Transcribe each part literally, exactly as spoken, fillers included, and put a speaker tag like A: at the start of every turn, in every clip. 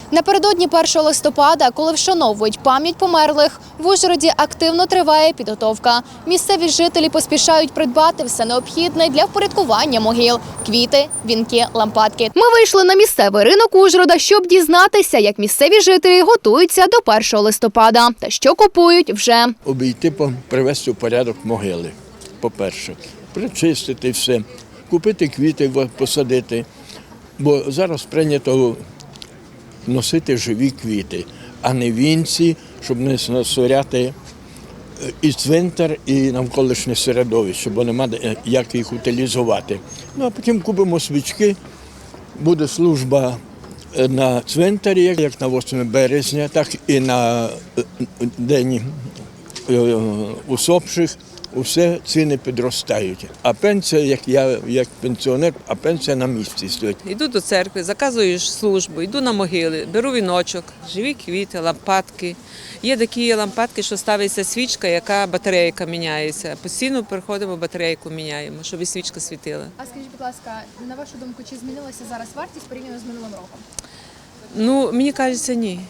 A: Напередодні першого листопада, коли вшановують пам'ять померлих, в Ужгороді активно триває підготовка. Місцеві жителі поспішають придбати все необхідне для впорядкування могил – квіти, вінки, лампадки. Ми вийшли на місцевий ринок Ужгорода, щоб дізнатися, як місцеві жителі готуються до першого листопада та що купують вже.
B: Обійти, привести в порядок могили, по-перше, причистити все, купити квіти, посадити, бо зараз прийнято носити живі квіти, а не вінці, щоб не насоряти і цвинтар, і навколишнє середовище, бо нема як їх утилізувати. Ну, а потім купимо свічки, буде служба на цвинтарі, як на восьме березня, так і на День усопших. Усе ціни підростають. А пенсія, як я, як пенсіонер, а пенсія на місці стоїть.
C: Йду до церкви, заказую службу, йду на могили, беру віночок, живі квіти, лампадки. Є такі лампадки, що ставиться свічка, яка батарейка міняється. Постійно приходимо, батарейку міняємо, щоб і свічка світила.
A: А скажіть, будь ласка, на вашу думку, чи змінилася зараз вартість порівняно з минулим роком?
C: Ну, мені кажеться, ні.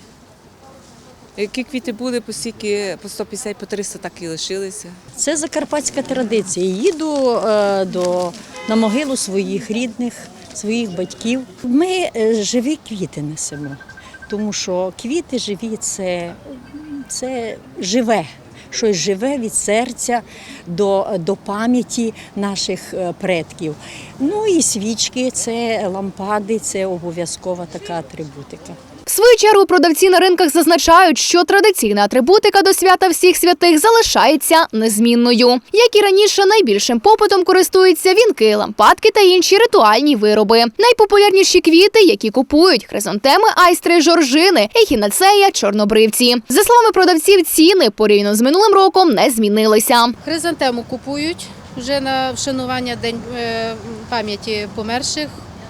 C: Які квіти були, по стільки, по сто п'ятдесят, по триста так і лишилися.
D: Це закарпатська традиція. Їду е, до, на могилу своїх рідних, своїх батьків. Ми е, живі квіти несемо, тому що квіти живі – це, це живе. Щось живе від серця до, до пам'яті наших предків. Ну і свічки – це лампади, це обов'язкова така атрибутика.
A: В свою чергу продавці на ринках зазначають, що традиційна атрибутика до свята всіх святих залишається незмінною. Як і раніше, найбільшим попитом користуються вінки, лампадки та інші ритуальні вироби. Найпопулярніші квіти, які купують – хризантеми, айстри, жоржини, ехінацея, чорнобривці. За словами продавців, ціни порівняно з минулим роком не змінилися.
E: Хризантему купують вже на вшанування День пам'яті померших.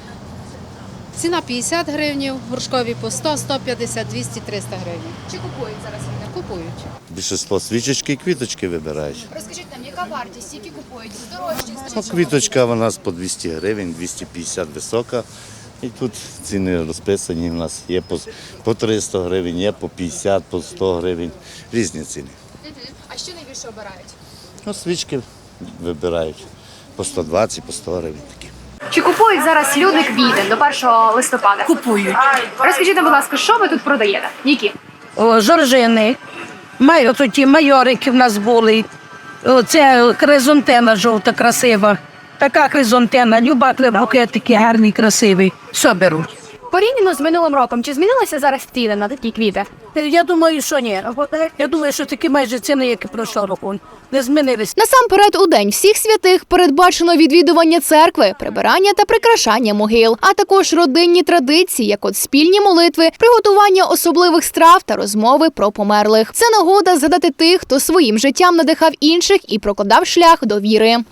E: Ціна п'ятдесят гривень, горшкові по сто, сто п'ятдесят, двісті, триста гривень.
A: Чи купують зараз вінки?
E: Купують.
F: Більшість свічечки і квіточки вибирають.
A: Розкажіть нам, яка вартість, які купують? Здорожчі,
F: Ну, квіточка у нас по двісті гривень, двісті п'ятдесят висока. І тут ціни розписані у нас. Є по, по триста гривень, є по п'ятдесят, по сто гривень. Різні ціни.
A: А що найбільше обирають?
F: Ну, свічки вибирають по сто двадцять, по сто гривень такі.
A: Чи купують зараз люди квіти до першого листопада?
G: Купують.
A: Розкажіть нам, будь ласка, що ви тут продаєте? Які?
G: О, жоржини, май, ті майорики в нас були. О, це хризантема жовта, красива. Така хризантема, люба букетики гарний, красивий. Все беруть.
A: Порівняно з минулим роком, чи змінилися зараз ціни на такі квіти?
G: Я думаю, що ні. Я думаю, що такі майже ціни, як і пройшлого року, не змінилися.
A: Насамперед, у День всіх святих передбачено відвідування церкви, прибирання та прикрашання могил, а також родинні традиції, як от спільні молитви, приготування особливих страв та розмови про померлих. Це нагода згадати тих, хто своїм життям надихав інших і прокладав шлях до віри.